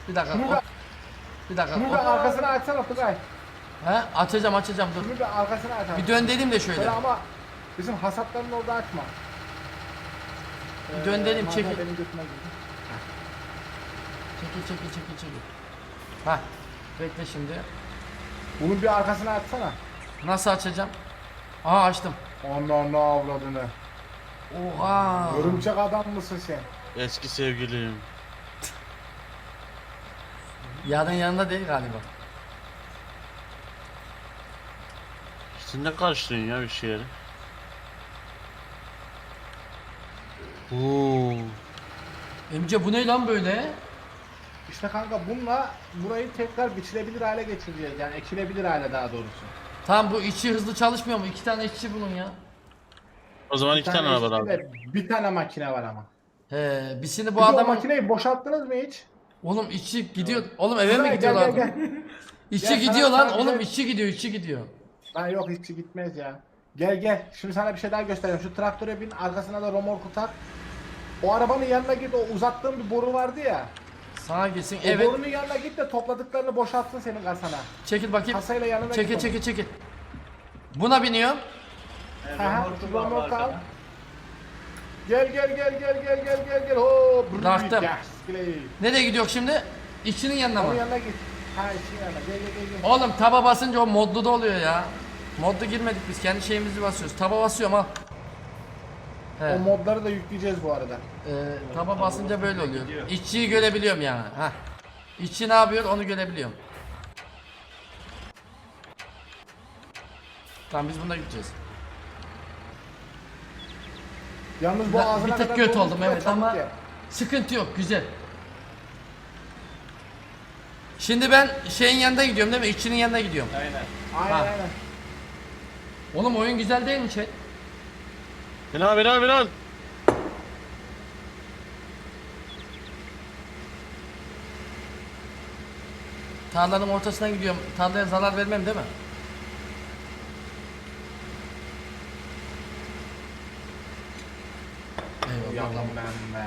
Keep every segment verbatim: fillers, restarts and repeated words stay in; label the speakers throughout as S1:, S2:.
S1: Bir dakika.
S2: Şunu
S1: hop.
S2: da,
S1: Bir dakika.
S2: şunu
S1: hop.
S2: da arkasına açsana Tugay.
S1: He? Açacağım açacağım dur.
S2: Şunu da arkasına aç.
S1: Bir dön dedim de şöyle.
S2: Şöyle ama bizim hasatların orada açma.
S1: Bir dön dedim
S2: Ee,
S1: çekil.
S2: mangal benim götüme girdi.
S1: Çekil çekil çekil çekil. Hah. Bekle şimdi.
S2: Bunun bir arkasına açsana.
S1: Nasıl açacağım? Aha açtım.
S2: Ananı avradını.
S1: Oha.
S2: Örümcek adam mısın sen?
S3: Eski sevgilim.
S1: Yarın yanında değil galiba.
S3: Sen ne karıştırıyorsun ya bir şeyleri? Oo.
S1: Emce bu ne lan böyle?
S2: İşte kanka bununla burayı tekrar biçilebilir hale getireceğiz. Yani ekilebilir hale daha doğrusu.
S1: Tamam bu içi hızlı çalışmıyor mu? İki tane işçi bulun ya.
S3: O zaman iki tane araba
S2: işte
S3: lazım.
S2: de Bir tane makine var ama.
S1: He, biz şimdi
S2: Bu
S1: bu
S2: o
S1: adamın...
S2: makineyi boşalttınız mı hiç?
S1: Oğlum içi gidiyor. Oğlum eve mi
S2: Tugay,
S1: gidiyorlar?
S2: Gel, gel, gel.
S1: İçi
S2: Gel,
S1: gidiyor
S2: sana-
S1: lan.
S2: sana
S1: Oğlum
S2: güzel-
S1: içi gidiyor, içi gidiyor.
S2: Lan yok hiç gitmez ya. Gel gel. Şimdi sana bir şey daha göstereyim. Şu traktöre bin, arkasına da romorku tak. O arabanın yanına git. O uzattığın bir boru vardı ya.
S1: Sağa gitsin.
S2: O
S1: Evet.
S2: borunun yanına git de topladıklarını boşaltsın senin kasana.
S1: Çekil bakayım.
S2: Kasayla yanına
S1: Çekil
S2: git.
S1: çekil çekil. Buna biniyorum.
S2: Aha, romorku al. Gel gel gel gel gel gel gel gel. Ho, brrr,
S1: Taktım.
S2: yes, play.
S1: Nereye gidiyor şimdi? İçinin yanına
S2: Onun
S1: mı?
S2: yanına git. Ha işin yanına. Gel gel gel. gel.
S1: Oğlum taba basınca o modlu da oluyor ya. Modlu girmedik biz. Kendi şeyimizi basıyoruz. Taba basıyorum al. He.
S2: O modları da yükleyeceğiz bu arada.
S1: Ee, taba basınca böyle oluyor. İşçiyi görebiliyorum yani. Heh. İşçi ne yapıyor onu görebiliyorum. Tamam biz bunda gideceğiz.
S2: Yalnız bu
S1: Ben
S2: ağzına
S1: bir tık
S2: kadar
S1: kötü
S2: dolmuş
S1: oldum
S2: da
S1: evet
S2: çabuk
S1: ama
S2: ye.
S1: sıkıntı yok güzel. Şimdi ben şeyin yanında gidiyorum değil mi? İşçinin yanına gidiyorum.
S4: Aynen.
S2: Aynen
S1: Ha.
S2: aynen.
S1: Oğlum oyun güzel değil mi chat?
S3: Bin al bin al bin al.
S1: Tarlanın ortasına gidiyorum. Tarlaya zarar vermem değil mi? Eyvallah.
S2: Yalan ben be.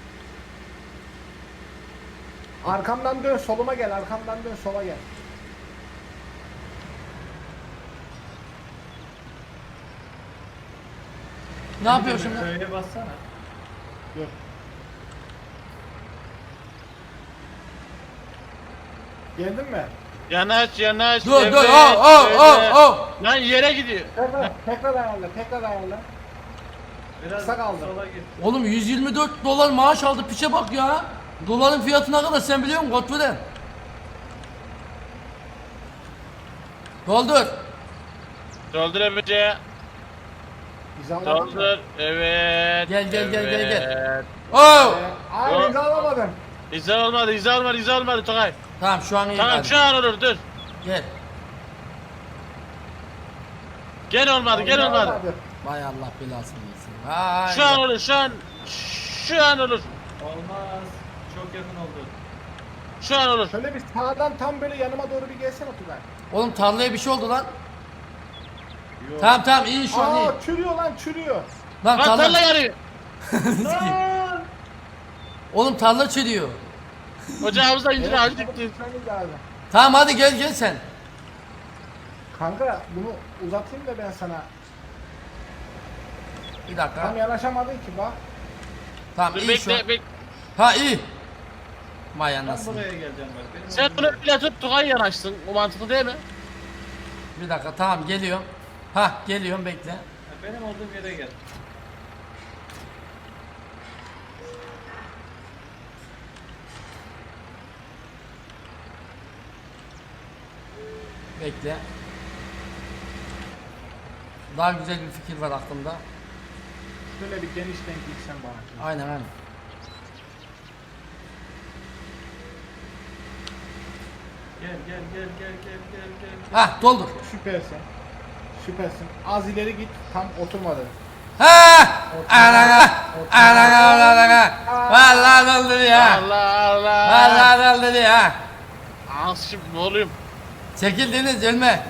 S2: Arkamdan dön, soluma gel. Arkamdan dön, sola gel.
S1: Ne yapıyor şimdi?
S4: Köye bassana.
S2: Dur. Geldin mi?
S3: Yanaş yanaş.
S1: Dur
S3: evet,
S1: dur. Oh oh
S3: öyle.
S1: oh oh.
S3: Lan yere gidiyor.
S2: Tekrar, tekrar ayarla, tekrar ayarla.
S4: Biraz
S2: Kısa kaldı.
S4: sola git.
S1: Oğlum yüz yirmi dört dolar maaş aldı piçe bak ya. Doların fiyatı ne kadar sen biliyor musun Godfrey? Doldur.
S3: Doldur Emre.
S2: İzalamadın mı?
S3: Doldur. Evet.
S1: Gel, gel, gel, gel, gel.
S3: evet.
S1: Oh.
S2: Ee, Ay
S3: Yok.
S2: izalamadın.
S3: İzah olmadı izah olmadı izah olmadı Tokay.
S1: Tamam şu an iyi
S3: Tamam
S1: hadi.
S3: şu an olur dur.
S1: Gel.
S3: Gel olmadı gel olmadı.
S1: Vay Allah belasını versin. Vay.
S3: Şu an olur şu an. Şu an olur.
S4: Olmaz. Çok yakın oldu.
S3: Şu an olur.
S2: Şöyle bir sağdan tam böyle yanıma doğru bir gelsene Tugay.
S1: Oğlum tarlaya bir şey oldu lan.
S4: Yok.
S1: Tamam tamam iyi şu an iyi.
S2: Aa çürüyor lan çürüyor.
S1: Lan
S3: Bak tarla
S1: tarla.
S3: yarıyor.
S4: Lan!
S1: Oğlum tarla çürüyor.
S3: Ocağımızda incir ağacı
S2: çabuk
S3: diktik.
S2: gitmemiz lazım.
S1: Tamam hadi gel gel sen.
S2: Kanka bunu uzatayım da ben sana.
S1: Bir dakika.
S2: Tam yanaşamadın ki bak.
S1: Tamam
S3: Dur
S1: iyi şu an.
S3: bekle bekle.
S1: Ha iyi. Vay
S4: Ben
S1: anasını.
S4: buraya geleceğim bak. Benim
S3: Sen
S4: olduğum
S3: bunu
S4: yer.
S3: bile tut Tokay yanaşsın. O mantıklı değil mi?
S1: Bir dakika tamam geliyorum. Ha geliyorum bekle.
S4: Ha, Benim olduğum yere gel.
S1: Bekle. Daha güzel bir fikir var aklımda.
S2: Şöyle bir genişten gitsen bana.
S1: Aynen aynen.
S4: Gel gel gel gel gel gel gel.
S1: Ha doldur.
S2: Süpersin. Süpersin. Az ileri git tam oturmadı.
S1: Ha! Ana! Ana! Ana! Vallahi doldur ya.
S3: Allah Allah.
S1: Vallahi doldur ya.
S3: Az şimdi ne oluyor?
S1: Çekil Deniz ölme.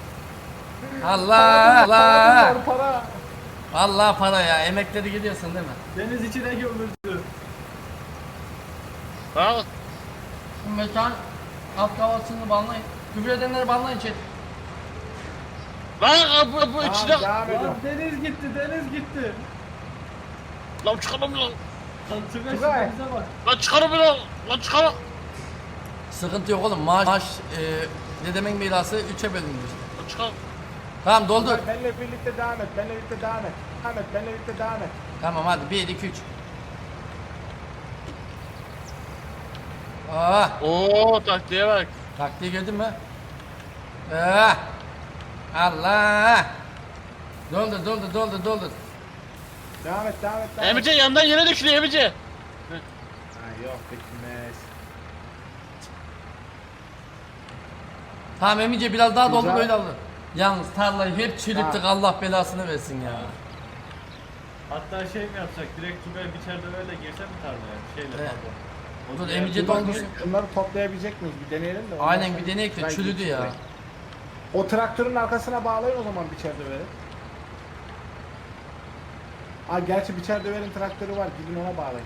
S1: Allah Allah.
S2: Para, para.
S1: Vallahi para ya. Emekleri gidiyorsun değil mi?
S4: Deniz içine gömüldü.
S3: Bak.
S1: Mekan alt havasını banlayın. Küfür edenleri banlayın chat.
S3: Lan bu, bu içine...
S2: Tamam, devam
S4: Lan
S2: ediyorum.
S4: deniz gitti deniz gitti.
S3: Lan çıkarım lan.
S4: Lan Tugay
S2: Tugay.
S4: şimdi bize bak.
S3: Lan çıkarım lan. Lan çıkarım.
S1: Sıkıntı yok oğlum. Maaş, maaş e, dedemin mirası üçe bölündü işte.
S3: Lan çıkarım.
S1: Tamam doldur.
S2: Benle birlikte devam et. Benle birlikte devam et. Devam et. Benle birlikte devam et.
S1: Tamam hadi bir iki üç. Aa,
S3: Oo taktiğe bak.
S1: taktiği gördün mü? Aa, Allah. Doldur doldur doldur doldur.
S2: Devam et. Devam et. Devam et.
S3: Emice yandan yere düşüyor Emice.
S2: Ha, yok beklemez.
S1: Tamam Emice biraz daha doldur
S2: Güzel.
S1: öyle alır. Yalnız tarlayı hep çürüttük
S2: Ha.
S1: Allah belasını versin ya.
S4: Hatta şey mi yapsak direkt Tugay biçerde böyle girse mi tarlaya? Şeyle
S1: Evet.
S4: pardon. O
S1: Dur,
S4: diğer-
S1: Emice
S2: Bak,
S1: doldursun.
S2: Bunları toplayabilecek miyiz? Bir deneyelim de. ondan
S1: Aynen
S2: sonra
S1: bir deneyek de
S2: Tugay
S1: çürüdü
S2: gitsin
S1: ya.
S2: direkt. O traktörün arkasına bağlayın o zaman biçer döveri. Aa gerçi biçer döverin traktörü var. Gidin ona bağlayın.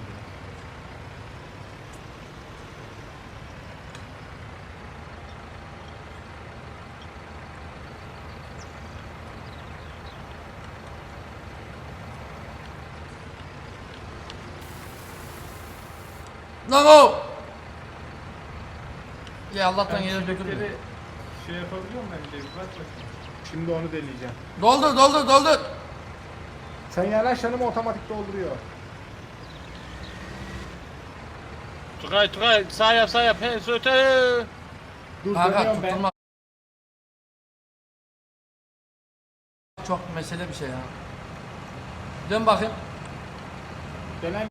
S1: Lan o! Ya Allah'tan
S4: Sen
S1: yere döküldü.
S4: çilekleri şey yapabiliyor musun Emice bir bak bakayım.
S2: Şimdi onu deneyeceğim.
S1: Doldur doldur doldur.
S2: Sen yanaş yanıma otomatik dolduruyor.
S3: Tugay Tugay sağ yap sağ yap. He söte.
S2: Dur
S1: Kanka
S2: dönüyorum ben.
S1: tutulmak çok mesele bir şey ya. Dön bakayım.
S2: Dönem.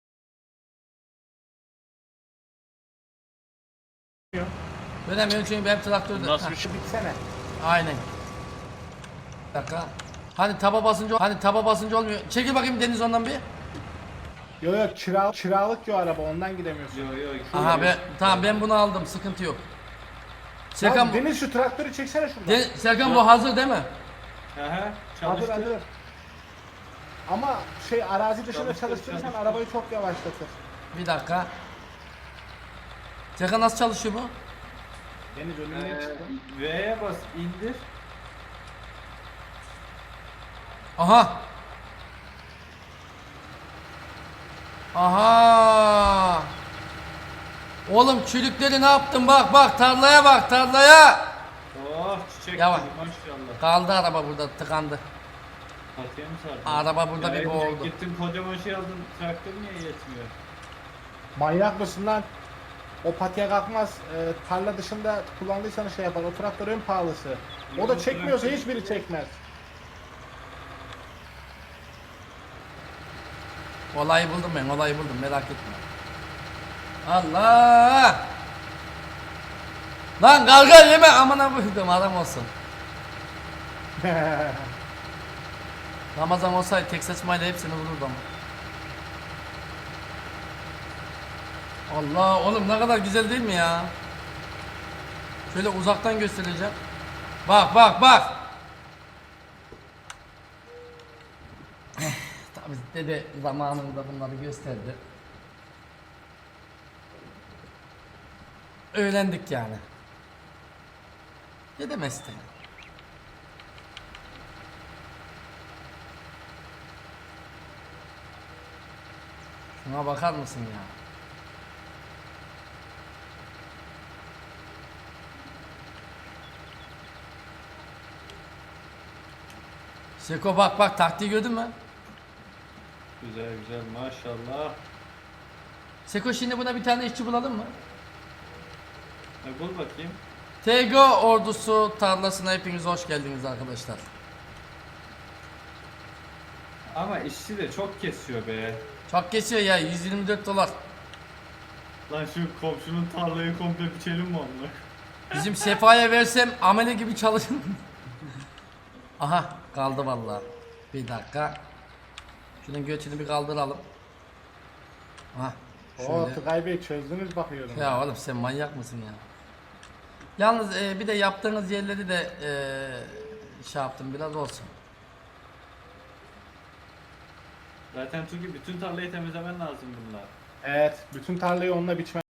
S1: Dönemiyorum çünkü benim traktörde.
S3: Nasıl
S1: Heh,
S3: bir şey?
S2: Bitsene.
S1: aynen. Bir dakika. Hani taba basınca hani taba basınca olmuyor. Çekil bakayım Deniz ondan bir.
S2: Yok yok kira, kiralık yo araba ondan gidemiyorsun.
S4: Yo yo.
S1: Aha ben tamam ben bunu aldım sıkıntı yok. Serkan,
S2: Serkan,
S1: bu-
S2: Deniz şu traktörü çeksene şuradan.
S1: Den- Serkan bu hazır değil mi?
S4: Aha
S2: Hazır
S4: çalıştı.
S2: hazır. Ama şey arazi dışında
S4: Çalıştır,
S2: çalıştırırsan
S4: çalıştır.
S2: arabayı çok yavaşlatır.
S1: Bir dakika. Serkan nasıl çalışıyor bu?
S2: Deniz önüne
S4: Ee,
S2: çıktı.
S4: V'ye bas indir.
S1: Aha. Aha. Oğlum çürükleri ne yaptın bak bak tarlaya bak tarlaya.
S4: Oh çiçek
S1: Yavaş.
S4: gibi maşallah.
S1: Kaldı araba burada tıkandı.
S4: Patiye mi sardın?
S1: Araba burada
S4: Ya
S1: bir
S4: Emice,
S1: boğuldu.
S4: Gittin kocaman şey aldın traktör niye yetmiyor?
S2: Manyak mısın lan? O patiye kalkmaz. Ee, tarla dışında kullandıysan şey yapar. O traktör en pahalısı. O da
S4: Yok,
S2: çekmiyorsa
S4: traktör-
S2: hiçbiri çekmez.
S1: Olayı buldum ben olayı buldum merak etme. Allah. Lan karga yeme amına koydum adam olsun. Ramazan olsaydı tek saçmayla hepsini vururdu ama. Allah oğlum ne kadar güzel değil mi ya? Şöyle uzaktan göstereceğim. Bak bak bak. Tabii dede zamanında bunları gösterdi. Öğrendik yani. Dede mesleği. Şuna bakar mısın ya? Seko bak bak taktiği gördün mü?
S4: Güzel güzel maşallah.
S1: Seko şimdi buna bir tane işçi bulalım mı?
S4: E, bul bakayım.
S1: T G O ordusu tarlasına hepiniz hoş geldiniz arkadaşlar.
S4: Ama işçi de çok kesiyor be.
S1: Çok kesiyor ya yüz yirmi dört dolar.
S4: Lan şu komşunun tarlayı komple biçelim mi onunla?
S1: Bizim Sefa'ya versem amele gibi çalışır. Aha kaldı vallahi. Bir dakika. Şunun götünü bir kaldıralım. Aha.
S2: Oo
S1: Şöyle.
S2: Tugay Bey çözdünüz bakıyorum.
S1: Ya oğlum sen manyak mısın ya? Yalnız e, bir de yaptığınız yerleri de e, şey yaptım biraz olsun.
S4: Zaten çünkü bütün tarlayı temizlemen lazım bunlar.
S2: Evet bütün tarlayı onunla biçmen